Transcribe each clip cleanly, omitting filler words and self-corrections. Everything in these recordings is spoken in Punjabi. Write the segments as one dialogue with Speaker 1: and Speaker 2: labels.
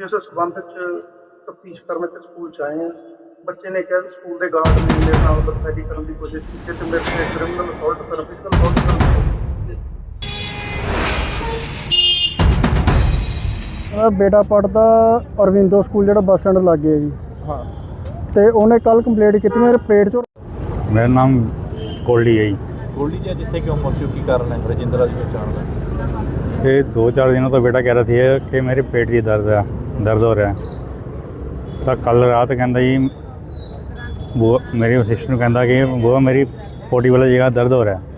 Speaker 1: ਜਿਸ ਸਬੰਧ 'ਚ ਤਫਤੀਸ਼ ਕਰਨ ਤੇ ਸਕੂਲ 'ਚ ਆਏ ਹਾਂ। ਬੱਚੇ ਨੇ ਕਿਹਾ ਵੀ ਸਕੂਲ ਦੇ ਗਾਰਡ ਨੇ ਮੇਰੇ ਨਾਲ ਬਦਫੈਲੀ ਕਰਨ ਦੀ ਕੋਸ਼ਿਸ਼ ਕੀਤੀ ਤੇ ਮੇਰੇ ਤੇ ਕ੍ਰਿਮੀਨਲ ਅਸੌਲਟ ਕਰਨ, ਫਿਜ਼ੀਕਲ ਅਸੌਲਟ ਕਰਨ ਦੀ ਕੋਸ਼ਿਸ਼ ਕੀਤੀ।
Speaker 2: ਮੇਰਾ ਬੇਟਾ ਪੜ੍ਹਦਾ ਅਰਵਿੰਦੋ ਸਕੂਲ ਜਿਹੜਾ ਬੱਸ ਸਟੈਂਡ ਲਾਗੇ ਹੈ ਜੀ।
Speaker 1: ਹਾਂ,
Speaker 2: ਤੇ ਉਹਨੇ ਕੱਲ ਕੰਪਲੇਂਟ ਕੀਤੀ ਮੇਰੇ ਪੇਟ 'ਚ।
Speaker 3: ਮੇਰਾ ਨਾਮ ਗੋਲਡੀ ਹੈ ਜੀ।
Speaker 4: ਗੋਲਡੀ ਜੀ ਜਿੱਥੇ ਕਿਉਂ ਪਹੁੰਚੇ ਹੋ, ਕੀ ਕਾਰਨ ਹੈ ਰਜਿੰਦਰਾ ਦੀ ਪਛਾਣ ਦਾ?
Speaker 3: ये 2-4 दिनों तो बेटा कह रहा थी कि मेरे पेट की दर्द हो रहा है। तो कल रात कहता जी वो मेरी सिस्टर कहता कि वो मेरी पोटी वाली जगह दर्द हो रहा है।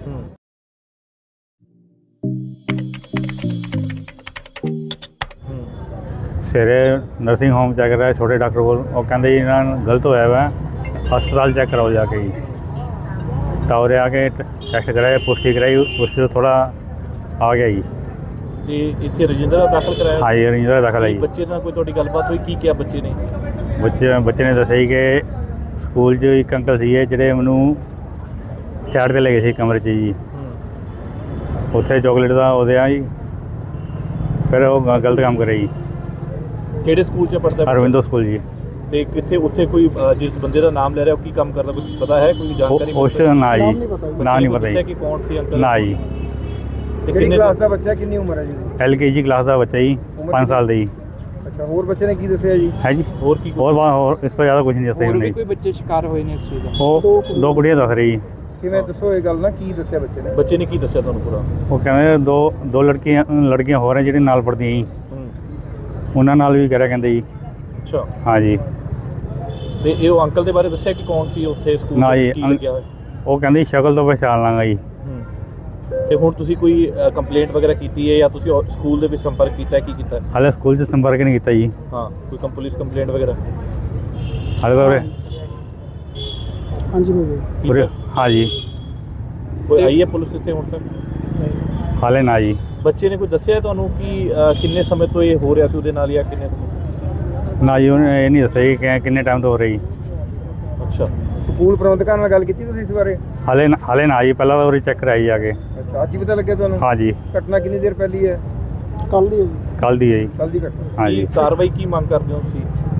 Speaker 3: सवेरे नर्सिंग होम चेक कराया छोटे डॉक्टर को, वो कहते जी इन्होंने गलत होया हुआ है, हस्पताल चेक कराओ जाके जी। टावरे आके टेस्ट कराया, पुष्टि कराई, उससे तो थोड़ा आ गया जी।
Speaker 4: ਤੇ ਇੱਥੇ ਰਜਿੰਦਰਾ ਦਾਖਲ ਕਰਾਇਆ?
Speaker 3: हाँ जी रंजिंदरा दाखिल है जी।
Speaker 4: ਬੱਚੇ ਨਾਲ ਕੋਈ ਤੁਹਾਡੀ ਗੱਲਬਾਤ ਹੋਈ, ਕੀ ਕਿਹਾ ਬੱਚੇ ਨੇ?
Speaker 3: ਬੱਚੇ ਨੇ ਦੱਸਿਆ ਜੀ ਕਿ ਸਕੂਲ 'ਚ ਇੱਕ ਅੰਕਲ ਸੀਗੇ ਜਿਹੜੇ ਮੈਨੂੰ ਸਾਈਡ 'ਤੇ ਲੈ ਗਏ ਸੀ ਕਮਰੇ 'ਚ ਜੀ। ਉੱਥੇ ਚੋਕਲੇਟ ਦਾ ਉਹਦੇ ਆ ਜੀ, ਫਿਰ ਉਹ ਗਲਤ ਕੰਮ ਕਰਿਆ ਜੀ।
Speaker 4: ਕਿਹੜੇ ਸਕੂਲ 'ਚ ਪੜ੍ਹਦਾ?
Speaker 3: ਅਰਵਿੰਦੋ ਸਕੂਲ ਜੀ।
Speaker 4: ਤੇ ਕਿੱਥੇ ਉੱਥੇ ਕੋਈ ਜਿਸ ਬੰਦੇ ਦਾ ਨਾਮ ਲੈ ਰਿਹਾ ਉਹ ਕੀ ਕੰਮ ਕਰਦਾ, ਕੁਝ ਪਤਾ ਹੈ, ਕੋਈ ਜਾਣਕਾਰੀ?
Speaker 3: ਉਸ ਨਾ ਜੀ, ਨਾ ਨਹੀਂ ਪਤਾ ਜੀ।
Speaker 4: ਕਿ ਕੌਣ ਸੀ ਅੰਕਲ?
Speaker 3: ਨਾ ਜੀ।
Speaker 4: ਤੇ ਕਿੰਨੇ
Speaker 2: ਕਲਾਸ ਦਾ ਬੱਚਾ, ਕਿੰਨੀ ਉਮਰ ਹੈ ਜੀ?
Speaker 3: LKG ਕਲਾਸ ਦਾ ਬੱਚਾ ਜੀ, 5 ਸਾਲ ਦਾ ਜੀ।
Speaker 2: ਅੱਛਾ, ਹੋਰ ਬੱਚੇ ਨੇ ਕੀ ਦੱਸਿਆ ਜੀ?
Speaker 3: ਹੈ ਜੀ।
Speaker 4: ਹੋਰ ਕੀ?
Speaker 3: ਹੋਰ ਇਸ ਤੋਂ ਜ਼ਿਆਦਾ ਕੁਝ ਨਹੀਂ ਦੱਸਿਆ ਉਹਨੇ।
Speaker 2: ਕੋਈ ਬੱਚੇ ਸ਼ਿਕਾਰ ਹੋਏ ਨੇ ਇਸ ਚੀਜ਼ ਦਾ?
Speaker 3: ਉਹ 2 ਕੁੜੀਆਂ ਦੱਸ ਰਹੀ ਜੀ।
Speaker 2: ਕਿਵੇਂ ਦੱਸੋ ਇਹ ਗੱਲ ਨਾ, ਕੀ ਦੱਸਿਆ ਬੱਚੇ ਨੇ?
Speaker 4: ਬੱਚੇ ਨੇ ਕੀ ਦੱਸਿਆ ਤੁਹਾਨੂੰ ਪੂਰਾ?
Speaker 3: ਉਹ ਕਹਿੰਦੇ ਦੋ ਲੜਕੀਆਂ ਹੋਰ ਹੈ ਜਿਹੜੀਆਂ ਨਾਲ ਪੜ੍ਹਦੀਆਂ ਜੀ, ਉਹਨਾਂ ਨਾਲ ਵੀ ਕਰਿਆ ਕਹਿੰਦੇ ਜੀ।
Speaker 4: ਅੱਛਾ।
Speaker 3: ਹਾਂ ਜੀ।
Speaker 4: ਤੇ ਇਹ ਉਹ ਅੰਕਲ ਦੇ ਬਾਰੇ ਦੱਸਿਆ ਕਿ ਕੌਣ ਸੀ ਉੱਥੇ ਸਕੂਲ
Speaker 3: ਨਾ ਜੀ,
Speaker 4: ਕੀ ਲੱਗਿਆ ਹੋਇਆ?
Speaker 3: ਉਹ ਕਹਿੰਦੇ ਸ਼ਕਲ ਤੋਂ ਪਛਾਣ ਲਾਂਗਾ ਜੀ।
Speaker 4: ਤੇ ਹੁਣ ਤੁਸੀਂ ਕੋਈ ਕੰਪਲੇਂਟ ਵਗੈਰਾ ਕੀਤੀ ਹੈ ਜਾਂ ਤੁਸੀਂ ਸਕੂਲ ਦੇ ਵਿੱਚ ਸੰਪਰਕ ਕੀਤਾ ਹੈ, ਕੀ ਕੀਤਾ ਹੈ?
Speaker 3: ਹਾਲੇ ਸਕੂਲ 'ਚ ਸੰਪਰਕ ਨਹੀਂ ਕੀਤਾ ਜੀ।
Speaker 4: ਹਾਂ, ਕੋਈ ਪੁਲਿਸ ਕੰਪਲੇਂਟ ਵਗੈਰਾ?
Speaker 3: ਹਾਲੇ ਤਾਂ
Speaker 2: ਹਾਂਜੀ
Speaker 3: ਉਰੇ ਹਾਂ ਜੀ।
Speaker 4: ਕੋਈ ਆਈ ਹੈ ਪੁਲਿਸ ਇੱਥੇ ਹੁਣ ਤੱਕ?
Speaker 3: ਹਾਲੇ ਨਾ ਜੀ।
Speaker 4: ਬੱਚੇ ਨੇ ਕੋਈ ਦੱਸਿਆ ਤੁਹਾਨੂੰ ਕਿ ਕਿੰਨੇ ਸਮੇਂ ਤੋਂ ਇਹ ਹੋ ਰਿਹਾ ਸੀ ਉਹਦੇ ਨਾਲ ਜਾਂ ਕਿੰਨੇ ਸਮੇਂ?
Speaker 3: ਨਾ ਜੀ, ਉਹਨੇ ਇਹ ਨਹੀਂ ਦੱਸਿਆ ਜੀ ਕਿ ਕਿੰਨੇ ਟਾਈਮ ਤੋਂ ਹੋ ਰਹੀ।
Speaker 4: ਅੱਛਾ।
Speaker 2: ਸਕੂਲ ਪ੍ਰਬੰਧਕਾਂ ਨਾਲ ਗੱਲ ਕੀਤੀ ਤੁਸੀਂ ਇਸ ਬਾਰੇ?
Speaker 3: ਹਾਲੇ ਨਾ ਜੀ, ਪਹਿਲਾਂ ਤਾਂ ਉਰੇ ਚੈੱਕ ਕਰਾਈ ਜਾ ਕੇ।
Speaker 2: ਅੱਛਾ, ਅੱਜ ਹੀ ਪਤਾ ਲੱਗਿਆ ਤੁਹਾਨੂੰ?
Speaker 3: ਹਾਂ ਜੀ।
Speaker 2: ਘਟਨਾ ਕਿੰਨੀ ਦੇਰ ਪਹਿਲੀ ਹੈ? ਕੱਲ ਦੀ ਹੈ ਜੀ।
Speaker 3: ਕੱਲ੍ਹ ਦੀ ਹੈ ਜੀ।
Speaker 2: ਕੱਲ ਦੀ ਘਟਨਾ।
Speaker 3: ਹਾਂ ਜੀ।
Speaker 4: ਕਾਰਵਾਈ ਕੀ ਮੰਗ ਕਰਦੇ ਹੋ ਤੁਸੀਂ?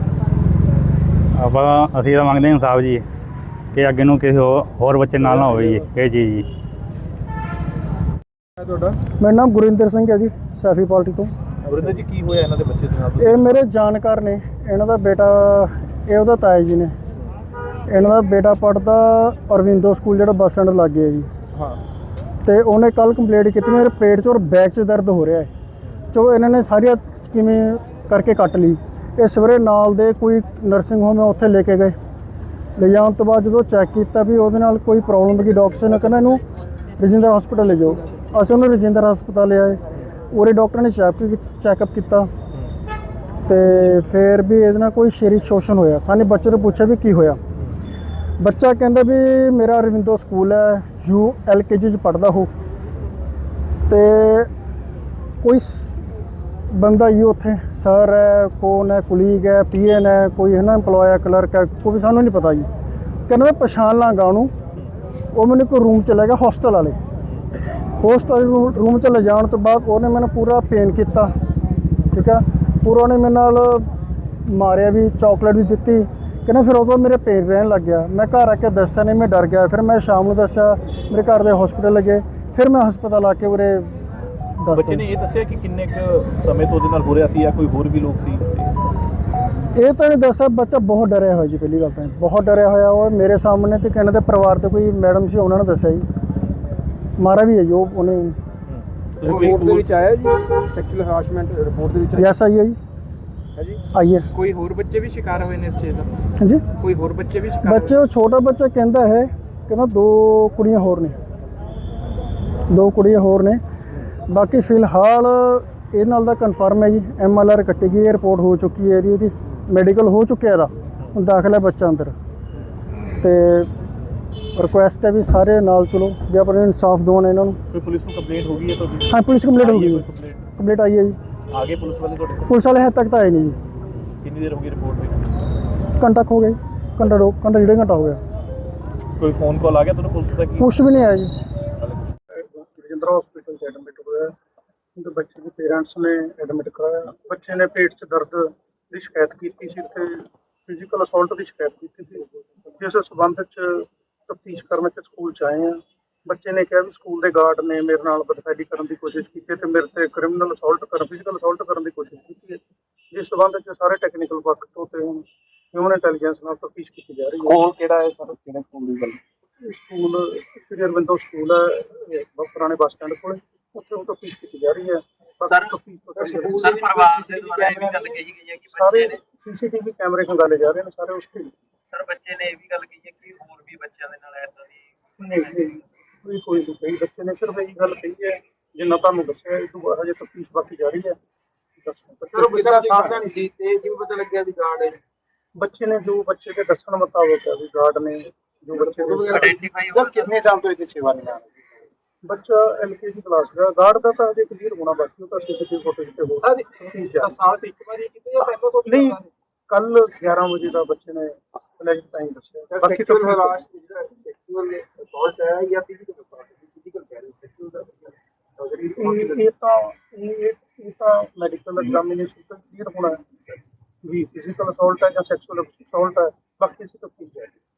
Speaker 3: ਅਸੀਂ ਤਾਂ ਮੰਗਦੇ ਹਾਂ ਇਨਸਾਫ ਜੀ, ਕਿ ਅੱਗੇ ਨੂੰ ਕਿਸੇ ਹੋਰ ਬੱਚੇ ਨਾਲ ਨਾ ਹੋਵੇ ਜੀ ਇਹ ਚੀਜ਼ ਜੀ।
Speaker 2: ਤੁਹਾਡਾ? ਮੇਰਾ ਨਾਮ ਗੁਰਿੰਦਰ ਸਿੰਘ ਹੈ ਜੀ, ਸੈਫੀ ਪਾਰਟੀ ਤੋਂ।
Speaker 4: ਗੁਰਿੰਦਰ ਜੀ, ਕੀ ਹੋਇਆ ਇਹਨਾਂ ਦੇ ਬੱਚੇ ਦੇ ਨਾਲ?
Speaker 2: ਇਹ ਮੇਰੇ ਜਾਣਕਾਰ ਨੇ, ਇਹਨਾਂ ਦਾ ਬੇਟਾ, ਇਹ ਉਹਦਾ ਤਾਇਆ ਜੀ ਨੇ। ਇਹਨਾਂ ਦਾ ਬੇਟਾ ਪੜ੍ਹਦਾ ਅਰਵਿੰਦੋ ਸਕੂਲ ਜਿਹੜਾ ਬੱਸ ਸਟੈਂਡ ਲਾਗੇ ਹੈ ਜੀ।
Speaker 4: ਹਾਂ।
Speaker 2: ਤੇ ਉਹਨੇ ਕੱਲ ਕੰਪਲੇਂਟ ਕੀਤੀ ਮੇਰੇ ਪੇਟ 'ਚ ਔਰ ਬੈਕ 'ਚ ਦਰਦ ਹੋ ਰਿਹਾ ਹੈ। ਚੋ ਇਹਨਾਂ ਨੇ ਸਾਰੀਆਂ ਕਿਵੇਂ ਕਰਕੇ ਕੱਟ ਲਈ। ਇਹ ਸਵੇਰੇ ਨਾਲ ਦੇ ਕੋਈ ਨਰਸਿੰਗ ਹੋਮ ਹੈ ਉੱਥੇ ਲੈ ਕੇ ਗਏ। ਲੈ ਜਾਣ ਤੋਂ ਬਾਅਦ ਜਦੋਂ ਚੈੱਕ ਕੀਤਾ ਵੀ ਉਹਦੇ ਨਾਲ ਕੋਈ ਪ੍ਰੋਬਲਮ ਦੀ, ਡਾਕਟਰ ਨੇ ਕਹਿੰਦਾ ਇਹਨੂੰ ਰਜਿੰਦਰ ਹਸਪਤਾਲ ਲੈ ਜਾਓ। ਅਸੀਂ ਉਹਨੂੰ ਰਜਿੰਦਰ ਹਸਪਤਾਲ ਲਿਆਏ। ਉਰੇ ਡਾਕਟਰ ਨੇ ਚੈੱਕਅਪ ਕੀਤਾ ਤੇ ਫਿਰ ਵੀ ਇਹਦੇ ਨਾਲ ਕੋਈ ਸਰੀਰਕ ਸ਼ੋਸ਼ਣ ਹੋਇਆ। ਸਾਨੂੰ ਬੱਚੇ ਨੂੰ ਪੁੱਛਿਆ ਵੀ ਕੀ ਹੋਇਆ। ਬੱਚਾ ਕਹਿੰਦਾ ਵੀ ਮੇਰਾ ਅਰਵਿੰਦੋ ਸਕੂਲ ਹੈ, LKG 'ਚ ਪੜ੍ਹਦਾ ਹੋ, ਤੇ ਕੋਈ ਬੰਦਾ ਹੀ ਉੱਥੇ ਸਰ ਹੈ, ਕੌਣ ਹੈ, ਕੁਲੀਗ ਹੈ, PN ਹੈ, ਕੋਈ ਹੈ ਨਾ ਇੰਪਲੋਏ ਹੈ, ਕਲਰਕ ਹੈ, ਕੋਈ ਸਾਨੂੰ ਨਹੀਂ ਪਤਾ ਜੀ। ਕਹਿੰਦਾ ਮੈਂ ਪਛਾਣ ਲਾਂਗਾ ਉਹਨੂੰ। ਉਹ ਮੈਨੂੰ ਕੋਈ ਰੂਮ 'ਚ ਲੈ ਗਿਆ, ਹੋਸਟਲ ਵਾਲੇ ਰੂਮ 'ਚ ਲੈ ਜਾਣ ਤੋਂ ਬਾਅਦ ਉਹਨੇ ਮੈਨੂੰ ਪੂਰਾ ਪੇਨ ਕੀਤਾ, ਠੀਕ ਹੈ। ਪੂਰਾ ਉਹਨੇ ਮੇਰੇ ਨਾਲ ਮਾਰਿਆ ਵੀ, ਚਾਕਲੇਟ ਵੀ ਦਿੱਤੀ। ਕਹਿੰਦਾ ਫਿਰ ਉਹ ਤੋਂ ਮੇਰੇ ਪੇਨ ਰਹਿਣ ਲੱਗ ਗਿਆ। ਮੈਂ ਘਰ ਆ ਕੇ ਦੱਸਿਆ ਨਹੀਂ, ਮੈਂ ਡਰ ਗਿਆ। ਫਿਰ ਮੈਂ ਸ਼ਾਮ ਨੂੰ ਦੱਸਿਆ, ਮੇਰੇ ਘਰ ਦੇ ਹਸਪੀਟਲ ਲੱਗੇ। ਫਿਰ ਮੈਂ ਹਸਪਤਾਲ ਆ ਕੇ ਉਰੇ
Speaker 4: ਬੱਚੇ ਨੇ ਇਹ ਦੱਸਿਆ ਕਿ ਕਿੰਨੇ ਕੁ ਸਮੇਂ ਤੋਂ ਉਹਦੇ ਨਾਲ ਹੋ ਰਿਹਾ ਸੀ ਜਾਂ ਕੋਈ ਹੋਰ ਵੀ ਲੋਕ ਸੀ?
Speaker 2: ਇਹ ਤਾਂ ਨਹੀਂ ਦੱਸਿਆ। ਬੱਚਾ ਬਹੁਤ ਡਰਿਆ ਹੋਇਆ ਜੀ, ਪਹਿਲੀ ਗੱਲ ਤਾਂ ਬਹੁਤ ਡਰਿਆ ਹੋਇਆ। ਉਹ ਮੇਰੇ ਸਾਹਮਣੇ ਤੇ ਕਹਿੰਦੇ ਪਰਿਵਾਰ ਦੇ ਕੋਈ ਮੈਡਮ ਸੀ, ਉਹਨਾਂ ਨੇ ਦੱਸਿਆ ਜੀ। ਮਾਰਾ ਵੀ ਹੈ ਜੀ ਉਹਨੇ।
Speaker 4: ਰਿਪੋਰਟ ਦੇ ਵਿੱਚ
Speaker 2: ਆਇਆ ਜੀ ਸੈਕਸ਼ੂਅਲ ਹਰਾਸਮੈਂਟ ਰਿਪੋਰਟ ਦੇ ਵਿੱਚ? ਯੈਸ ਆਈ ਹੈ ਜੀ।
Speaker 4: ਹਾਂਜੀ,
Speaker 2: ਆਈ ਹੈ।
Speaker 4: ਕੋਈ ਹੋਰ ਬੱਚੇ ਵੀ ਸ਼ਿਕਾਰ ਹੋਏ ਨੇ ਇਸ ਚੀਜ਼ ਦਾ?
Speaker 2: ਹਾਂਜੀ,
Speaker 4: ਕੋਈ ਹੋਰ ਬੱਚੇ ਵੀ ਸ਼ਿਕਾਰ?
Speaker 2: ਬੱਚੇ ਉਹ ਛੋਟਾ ਬੱਚਾ ਕਹਿੰਦਾ ਹੈ, ਕਹਿੰਦਾ 2 ਕੁੜੀਆਂ ਹੋਰ ਨੇ, 2 ਕੁੜੀਆਂ ਹੋਰ ਨੇ। ਬਾਕੀ ਫਿਲਹਾਲ ਇਹ ਨਾਲ ਦਾ ਕਨਫਰਮ ਹੈ ਜੀ। MLR ਕੱਟੀ ਗਈ ਹੈ, ਰਿਪੋਰਟ ਹੋ ਚੁੱਕੀ ਹੈ ਇਹਦੀ ਮੈਡੀਕਲ ਹੋ ਚੁੱਕਿਆ ਇਹਦਾ। ਹੁਣ ਦਾਖਲ ਹੈ ਬੱਚਾ ਅੰਦਰ। ਤੇ ਰਿਕੁਐਸਟ ਹੈ ਵੀ ਸਾਰੇ ਨਾਲ ਚਲੋ, ਵੀ ਆਪਣੇ ਇਨਸਾਫ ਦਿਵਾਉਣ ਇਹਨਾਂ ਨੂੰ।
Speaker 4: ਕੋਈ ਪੁਲਿਸ ਨੂੰ ਕੰਪਲੇਂਟ ਹੋ ਗਈ ਹੈ ਤੁਹਾਡੀ?
Speaker 2: ਹਾਂ, ਪੁਲਿਸ ਕੰਪਲੇਂਟ ਹੋ ਗਈ ਹੈ। ਕੰਪਲੇਂਟ ਆਈ ਹੈ ਜੀ।
Speaker 4: ਆ ਗਏ ਪੁਲਿਸ ਵਾਲੇ ਤੁਹਾਡੇ ਕੋਲ?
Speaker 2: ਪੁਲਿਸ ਵਾਲੇ ਹਜੇ ਤੱਕ ਤਾਂ ਆਏ ਨਹੀਂ ਜੀ।
Speaker 4: ਕਿੰਨੀ ਦੇਰ ਹੋ ਗਈ ਰਿਪੋਰਟ ਦੇ?
Speaker 2: ਘੰਟਾ ਹੋ ਗਿਆ ਜੀ, ਘੰਟਾ 1.5 ਘੰਟਾ ਹੋ ਗਿਆ।
Speaker 4: ਕੋਈ ਫੋਨ ਕਾਲ ਆ ਗਿਆ ਤੁਹਾਨੂੰ ਪੁਲਿਸ ਦਾ?
Speaker 2: ਕੁਛ ਵੀ ਨਹੀਂ ਆਇਆ ਜੀ।
Speaker 1: ਰਜਿੰਦਰਾ ਹਸਪੀਟਲ 'ਚ ਐਡਮਿਟ ਹੋਇਆ। ਉਹਦੇ ਬੱਚੇ ਦੇ ਪੇਰੈਂਟਸ ਨੇ ਐਡਮਿਟ ਕਰਾਇਆ। ਬੱਚੇ ਨੇ ਪੇਟ 'ਚ ਦਰਦ ਦੀ ਸ਼ਿਕਾਇਤ ਕੀਤੀ ਸੀ ਤੇ ਫਿਜ਼ੀਕਲ ਅਸੌਲਟ ਦੀ ਸ਼ਿਕਾਇਤ ਕੀਤੀ ਸੀ, ਜਿਸ ਸਬੰਧ 'ਚ ਤਫਤੀਸ਼ ਕਰਨ 'ਚ ਸਕੂਲ 'ਚ ਆਏ ਆ। ਬੱਚੇ ਨੇ ਕਿਹਾ ਵੀ ਸਕੂਲ ਦੇ ਗਾਰਡ ਨੇ ਮੇਰੇ ਨਾਲ ਬਦਫੈਲੀ ਕਰਨ ਦੀ ਕੋਸ਼ਿਸ਼ ਕੀਤੀ ਤੇ ਮੇਰੇ ਤੇ ਕ੍ਰਿਮੀਨਲ ਅਸੌਲਟ ਕਰਨ ਫਿਜ਼ੀਕਲ ਅਸੌਲਟ ਕਰਨ ਦੀ ਕੋਸ਼ਿਸ਼ ਕੀਤੀ ਹੈ, ਜਿਸ ਸਬੰਧ 'ਚ ਸਾਰੇ ਟੈਕਨੀਕਲ ਪੱਖ ਤੋਂ ਤੇ ਹੁਣ ਹਿਊਮਨ ਇੰਟੈਲੀਜੈਂਸ ਨਾਲ ਤਫਤੀਸ਼ ਕੀਤੀ ਜਾ ਰਹੀ ਹੈ।
Speaker 5: ਸਕੂਲ ਕਿਹੜਾ ਹੈ ਸਰ, ਕਿਹੜੇ ਸਕੂਲ ਦੀ ਗੱਲ?
Speaker 1: ਇਹ ਸਕੂਲ ਸ੍ਰੀ ਅਰਵਿੰਦੋ ਸਕੂਲ ਹੈ, ਪੁਰਾਣੇ ਬੱਸ ਸਟੈਂਡ ਕੋਲ, ਉੱਥੇ ਉਹ ਤਫਤੀਸ਼ ਕੀਤੀ ਜਾ ਰਹੀ ਹੈ।
Speaker 5: ਸਰ,
Speaker 1: ਤਫਤੀਸ਼ ਤੋਂ ਪਹਿਲਾਂ
Speaker 5: ਸਰ ਪਰਿਵਾਰ ਦੇ ਦੁਆਰਾ ਇਹ ਵੀ ਗੱਲ ਕਹੀ ਗਈ ਹੈ ਕਿ
Speaker 1: ਸਾਰੇ
Speaker 5: ਬੱਚੇ ਨੇ
Speaker 1: ਸੀਸੀਟੀਵੀ ਕੈਮਰੇ ਖੰਗਾਲੇ ਜਾ ਰਹੇ ਨੇ ਸਾਰੇ ਉਸ ਤੇ।
Speaker 5: ਸਰ ਬੱਚੇ ਨੇ ਇਹ ਵੀ ਗੱਲ ਕਹੀ ਹੈ ਕਿ ਹੋਰ ਵੀ ਬੱਚਿਆਂ ਦੇ ਨਾਲ ਏਦਾਂ ਦੀ
Speaker 1: ਕੋਈ ਨਹੀਂ ਕਹੀ, ਬੱਚੇ ਨੇ ਸਿਰਫ ਇਹੀ ਗੱਲ ਕਹੀ ਹੈ ਜਿੰਨਾ ਤੁਹਾਨੂੰ ਦੱਸਿਆ। ਇਹ ਤੋਂ ਹਜੇ ਤਫਤੀਸ਼ ਬਾਕੀ ਜਾਰੀ ਹੈ।
Speaker 5: ਸਰ ਬੱਚਾ ਸਾਵਧਾਨ ਸੀ ਤੇ ਜਿਵੇਂ ਪਤਾ ਲੱਗਿਆ ਵੀ ਗਾਰਡ ਹੈ,
Speaker 1: ਬੱਚੇ ਨੇ ਜੋ ਬੱਚੇ ਦੇ ਦੱਸਣ ਮੁਤਾਬਕ ਹੈ ਵੀ ਗਾਰਡ ਨੇ ਜੋ ਬੱਚੇ ਦੇ
Speaker 5: ਆਇਡੈਂਟੀਫਾਈ
Speaker 2: ਸਰ ਕਿੰਨੇ ਸਾਲ ਤੋਂ ਇਹਦੀ ਸੇਵਾ ਨਿਭਾ ਰਹੇ?
Speaker 1: ਬੱਚਾ LKG ਕਲਾਸ ਦਾ, ਗਾਰਡ ਦਾ ਤਾਂ ਹਜੇ ਕਲੀਅਰ ਹੋਣਾ ਬਾਕੀ, ਉਹ ਤਾਂ ਸੀਸੀਟੀਵੀ ਫੁਟੇਜ ਤੇ ਹੋ
Speaker 5: ਸਾਲ ਤੇ ਇੱਕ ਵਾਰੀ ਕਿਤੇ ਜਾਂ ਪਹਿਲਾਂ ਤੋਂ
Speaker 1: ਨਹੀਂ, ਕੱਲ 11 ਵਜੇ ਦਾ ਬੱਚੇ ਨੇ ਅਲੈਜ ਟਾਈਮ ਦੱਸਿਆ। ਬਾਕੀ ਤਾਂ
Speaker 5: ਸੈਕਸ਼ੂਅਲ ਅਸੌਲਟ ਹੈ ਜਾਂ ਫਿਜ਼ੀਕਲ ਅਸੌਲਟ? ਫਿਜ਼ੀਕਲ ਕਹਿ ਰਹੇ ਸੈਕਸ਼ੂਅਲ ਦਾ
Speaker 1: ਇਹ ਤਾਂ ਮੈਡੀਕਲ ਐਗਜ਼ਾਮੀਨੇਸ਼ਨ ਤੋਂ ਕਲੀਅਰ ਹੋਣਾ ਹੈ ਵੀ ਫਿਜ਼ੀਕਲ ਅਸੌਲਟ ਹੈ ਜਾਂ ਸੈਕਸ਼ੂਅਲ ਅਸੌਲਟ ਹੈ। ਬਾਕੀ ਅਸੀਂ ਤਫਤੀਸ਼ ਜਾਰੀ